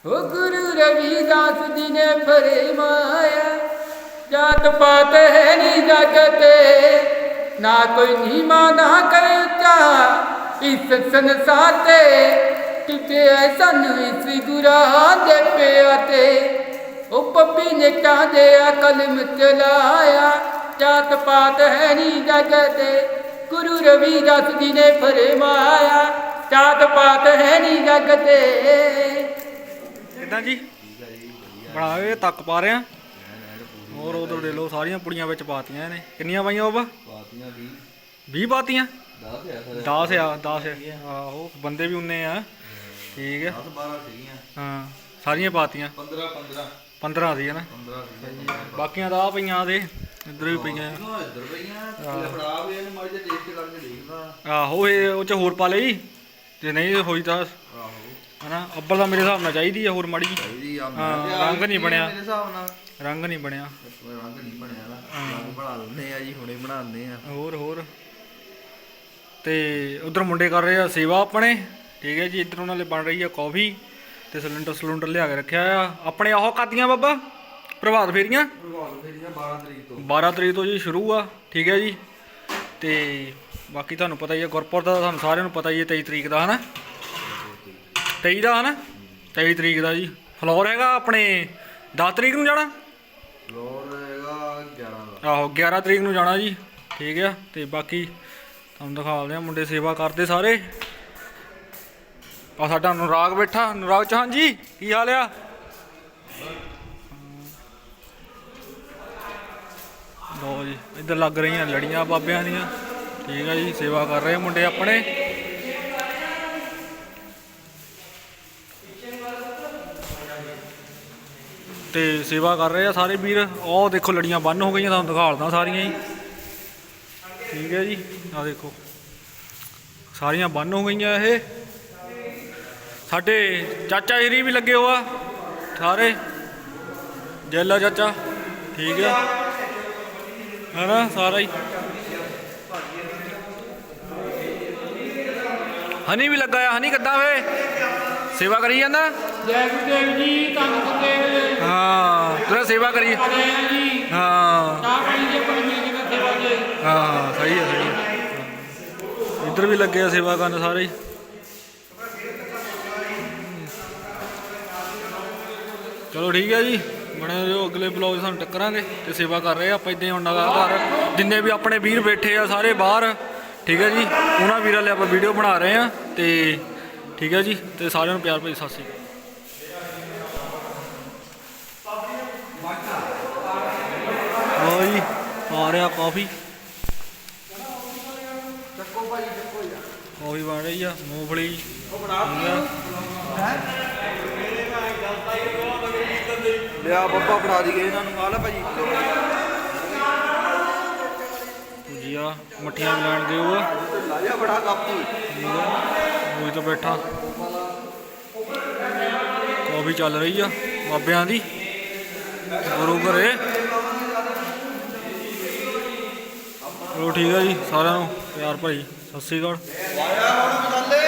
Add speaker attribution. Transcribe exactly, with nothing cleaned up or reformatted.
Speaker 1: ओ गुरु रविदास जी ने फरमाया, जात पात है नी जगते, ना कोई नीमा ना कोई ऊंचा, इस संसार ते किते सानू इस गुरां दे प्याते। ओ पप्पी ने टांदे कलम चलाया, जात पात है नी जगते, गुरु रविदास जी ने फरमाया, जात पात है नी जगते।
Speaker 2: ਕਿੱਦਾਂ ਜੀ ਬਣਾ ਕੇ ਤੱਕ ਪਾ ਰਹੇ ਆ। ਹੋਰ ਉਧਰ ਦੇ ਲੋ ਸਾਰੀਆਂ ਪੁੜੀਆਂ ਵਿੱਚ ਪਾਤੀਆਂ ਇਹਨੇ। ਕਿੰਨੀਆਂ ਪਾਈਆਂ ਬਾਬਾ?
Speaker 3: ਪਾਤੀਆਂ ਵੀਹ
Speaker 2: ਵੀਹ ਪਾਤੀਆਂ।
Speaker 3: ਦਸ ਆ
Speaker 2: ਦਸ ਆ ਦਸ ਆਹੋ ਬੰਦੇ ਵੀ ਉਨੇ ਆ। ਠੀਕ ਆ
Speaker 3: ਦਸ ਬਾਰਾਂ ਸੀਗੀਆਂ।
Speaker 2: ਹਾਂ ਸਾਰੀਆਂ ਪਾਤੀਆਂ।
Speaker 3: ਪੰਦਰਾਂ ਪੰਦਰਾਂ
Speaker 2: ਪੰਦਰਾਂ ਸੀ ਨਾ।
Speaker 3: ਪੰਦਰਾਂ ਸੀਗੀਆਂ।
Speaker 2: ਬਾਕੀਆਂ ਤਾਂ ਆ ਪਈਆਂ ਦੇ ਇੱਧਰ ਵੀ ਪਈਆਂ।
Speaker 3: ਇੱਧਰ ਪਈਆਂ ਫੜਾ ਵੀ ਇਹਨੂੰ ਮਾੜੀ ਜਿਹੀ ਟੇਸਟ ਕਰਕੇ ਦੇਖਦਾ।
Speaker 2: ਆਹੋ ਇਹ ਉਹ ਚ ਹੋਰ ਪਾ ਲਈ ਜੇ ਨਹੀਂ ਹੋਈ ਤਾਂ
Speaker 3: ਆਹੋ
Speaker 2: ਹਨਾ। ਅੱਬਲ ਤਾਂ ਮੇਰੇ ਹਿਸਾਬ ਨਾਲ ਚਾਹੀਦੀ ਆ ਹੋਰ ਮਾੜੀ ਜਿਹੀ।
Speaker 3: ਚਾਹੀਦੀ ਆ।
Speaker 2: ਹਾਂ ਰੰਗ ਨਹੀਂ ਬਣਿਆ
Speaker 3: ਮੇਰੇ ਹਿਸਾਬ ਨਾਲ
Speaker 2: ਰੰਗ ਨਹੀਂ ਬਣਿਆ
Speaker 3: ਰੰਗ ਨਹੀਂ ਬਣਿਆ ਨਾ। ਰੰਗ ਬਣਾ ਲੈਂਦੇ ਆ ਜੀ ਹੁਣੇ ਬਣਾਉਂਦੇ ਆ।
Speaker 2: ਹੋਰ ਹੋਰ ਤੇ ਉਧਰ ਮੁੰਡੇ ਕਰ ਰਹੇ ਆ ਸੇਵਾ ਆਪਣੇ। ਠੀਕ ਹੈ ਜੀ ਇੱਧਰ ਉਹਨਾਂ ਲਈ ਬਣ ਰਹੀ ਆ ਕੌਫੀ ਤੇ ਸਿਲੰਡਰ ਸਿਲੰਡਰ ਲਿਆ ਕੇ ਰੱਖਿਆ ਆ ਆਪਣੇ। ਆਹੋ ਕਾਦੀਆਂ ਬਾਬਾ ਪ੍ਰਭਾਤ ਫੇਰੀਆਂ
Speaker 3: ਪ੍ਰਭਾਤ ਫੇਰੀਆਂ ਬਾਰਾਂ ਤਰੀਕ ਤੋਂ
Speaker 2: ਬਾਰਾਂ ਤਰੀਕ ਤੋਂ ਜੀ ਸ਼ੁਰੂ ਆ। ਠੀਕ ਹੈ ਜੀ ਤੇ ਬਾਕੀ ਤੁਹਾਨੂੰ ਪਤਾ ਹੀ ਹੈ ਗੁਰਪੁਰ ਦਾ ਤੁਹਾਨੂੰ ਸਾਰਿਆਂ ਨੂੰ ਪਤਾ ਹੀ ਹੈ ਤੇਈ ਤਰੀਕ ਦਾ ਹਨਾ। ਤੇਈ ਦਾ ਹਨਾ ਤੇਈ ਤਰੀਕ ਦਾ ਜੀ। ਫਲੋਰ ਹੈਗਾ ਆਪਣੇ ਦਸ ਤਰੀਕ ਨੂੰ ਜਾਣਾ।
Speaker 3: ਫਲੋਰ ਹੈਗਾ ਗਿਆਰਾਂ ਦਾ।
Speaker 2: ਆਹੋ ਗਿਆਰਾਂ ਤਰੀਕ ਨੂੰ ਜਾਣਾ ਜੀ। ਠੀਕ ਆ ਤੇ ਬਾਕੀ ਤੁਹਾਨੂੰ ਦਿਖਾਉਂਦੇ ਆ ਮੁੰਡੇ ਸੇਵਾ ਕਰਦੇ ਸਾਰੇ। ਆ ਸਾਡਾ ਅਨੁਰਾਗ ਬੈਠਾ। ਅਨੁਰਾਗ ਚੌਹਾਨ ਜੀ ਕੀ ਹਾਲ ਆ? ਲੋ ਜੀ ਇੱਧਰ ਲੱਗ ਰਹੀਆਂ ਲੜੀਆਂ ਬਾਬਿਆਂ ਦੀਆਂ। ਠੀਕ ਆ ਜੀ ਸੇਵਾ ਕਰ ਰਹੇ ਮੁੰਡੇ ਆਪਣੇ। ਤੇ ਸੇਵਾ ਕਰ ਰਹੇ ਆ ਸਾਰੇ ਵੀਰ। ਉਹ ਦੇਖੋ ਲੜੀਆਂ ਬੰਨ ਹੋ ਗਈਆਂ ਤੁਹਾਨੂੰ ਦਿਖਾਲਦਾ ਸਾਰੀਆਂ ਹੀ। ਠੀਕ ਹੈ ਜੀ ਆ ਦੇਖੋ ਸਾਰੀਆਂ ਬੰਨ ਹੋ ਗਈਆਂ। ਇਹ ਸਾਡੇ ਚਾਚਾ ਜੀ ਵੀ ਲੱਗੇ ਹੋਆ ਸਾਰੇ ਜੈਲਾ ਚਾਚਾ। ਠੀਕ ਹੈ ਹੈ ਨਾ ਸਾਰਾ ਹੀ। ਹਨੀ ਵੀ ਲੱਗਾ ਆ। ਹਨੀ ਕਿੱਦਾਂ ਵੇ ਸੇਵਾ ਕਰੀ ਜਾਂਦਾ?
Speaker 1: ਜੈ ਗੁਰਦੇਵ ਜੀ ਧੰਨ ਗੁਰਦੇਵ।
Speaker 2: ਹਾਂ ਤੇਰਾ ਸੇਵਾ ਕਰੀ।
Speaker 1: ਆ ਰਹੇ ਆ ਜੀ
Speaker 2: ਹਾਂ
Speaker 1: ਚਾਹ ਪਾਣੀ ਜੇ ਕੋਈ ਮਿਲ ਗਿਆ ਸੇਵਾ ਜੇ।
Speaker 2: ਹਾਂ ਸਹੀ ਹੈ ਸਹੀ ਹੈ। ਇੱਧਰ ਵੀ ਲੱਗੇ ਆ ਸੇਵਾ ਕਰਨ ਸਾਰੇ ਹੀ। ਚਲੋ ਠੀਕ ਹੈ ਜੀ ਬਣੇ ਰਹੋ ਅਗਲੇ ਬਲੌਗ ਸਾਨੂੰ ਟੱਕਰਾਂਗੇ ਤੇ ਸੇਵਾ ਕਰ ਰਹੇ ਆ ਆਪਾਂ ਇੱਦਾਂ ਹੀ ਹੁਣ ਲਗਾਤਾਰ। ਜਿੰਨੇ ਵੀ ਆਪਣੇ ਵੀਰ ਬੈਠੇ ਆ ਸਾਰੇ ਬਾਹਰ। ਠੀਕ ਹੈ ਜੀ ਉਹਨਾਂ ਵੀਰਾਂ ਲਈ ਆਪਾਂ ਵੀਡੀਓ ਬਣਾ ਰਹੇ ਆ ਤੇ ਠੀਕ ਹੈ ਜੀ ਤੇ ਸਾਰਿਆਂ ਨੂੰ ਪਿਆਰ ਭਰੀ ਸਤਿ ਸ਼੍ਰੀ ਅਕਾਲ। ਲਓ ਜੀ ਆ ਰਿਹਾ ਕਾਫੀ। ਕਾਫੀ ਬਣ ਰਹੀ ਆ ਮੂੰਗਫਲੀ।
Speaker 3: ਲਿਆ ਬੱਬਾ ਫੜਾ ਦੀ ਗਏ ਇਹਨਾਂ ਨੂੰ। ਆ ਲੈ ਭਾਜੀ
Speaker 2: ਭੁਜੀਆ ਮੱਠੀਆਂ ਲੈਣ ਦਿਓ।
Speaker 3: ਲਾਇਆ ਬੜਾ ਕੱਪ
Speaker 2: ਉਹ ਤਾਂ ਬੈਠਾ ਕਾਫੀ ਚੱਲ ਰਹੀ ਆ ਬਾਬਿਆਂ ਦੀ ਗੁਰੂ ਘਰੇ। ਚਲੋ ਠੀਕ ਆ ਜੀ ਸਾਰਿਆਂ ਨੂੰ ਪਿਆਰ ਭਰੀ ਸਤਿ ਸ਼੍ਰੀ ਅਕਾਲ।